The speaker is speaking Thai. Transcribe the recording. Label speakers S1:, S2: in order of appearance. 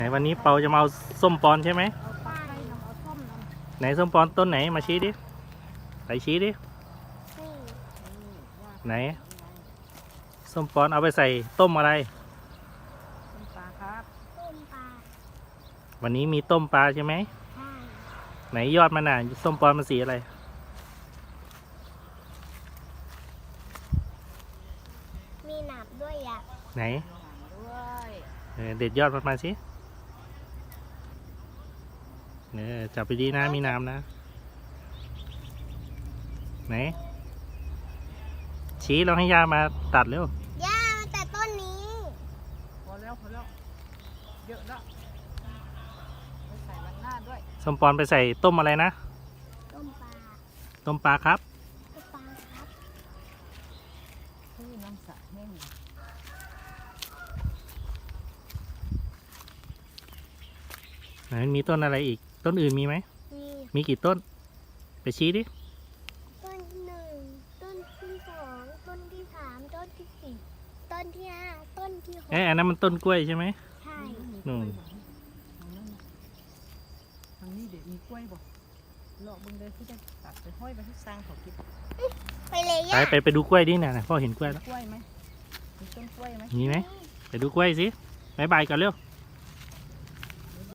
S1: ไหนวันนี้เปาจะมาเอาส้มปอนใช่ไหมไหนส้มปอนต้นไหนมาชี้ดิไปชี้ดิไหนส้มปอนเอาไปใส่ต้มอะไร
S2: ต้มปลาครับต้มปลา
S1: วันนี้มีต้มปลาใช่ไหม
S2: ใช่
S1: ไหนยอดมันน่ะส้มปอนมันสีอะไร
S2: มีหนามด้วยอ่ะ
S1: ไหนเด็ดยอดมันมาสิจับไปดีนะมีน้ำนะไหนชี้เราให้ย่ามาตัดเร็ว
S2: ย่าแต่ต้นนี้
S3: พอแล้วเยอะแล้วไปใส่วันหน้าด้วย
S1: ส้มปอนไปใส่ต้มอะไรนะ
S2: ต้มปลา
S1: ต้มปลาครับ
S2: ต้มปลาครับ
S3: น้ำสะแห้ง
S1: ไหนมีต้นอะไรอีกต้นอื่นมีไหมมีกี่ต้นไปชี้ดิ
S2: ต้นที่หนึ่งต้นที่สองต้นที่สามต้นที่สี่ต้นที่ห้าต้นที่หก
S1: อันนั้นมันต้นกล้วยใช่ไหม
S2: ใช่
S1: นู่น
S3: ทางนี้เดี๋ยวมีกล้วยบ่เลาะบึงเลยที่จะตัดไปห้อยไปที่สร้างเขากิน
S2: ไปเลยย่า
S1: ไปดูกล้วยดิเนี่ยพ่อเห็นกล้วยแล้ว
S3: กล้วยไหมมีต้นกล้วยไหม
S1: มีไหมไปดูกล้วยสิบ๊ายบายก่อนเร็ว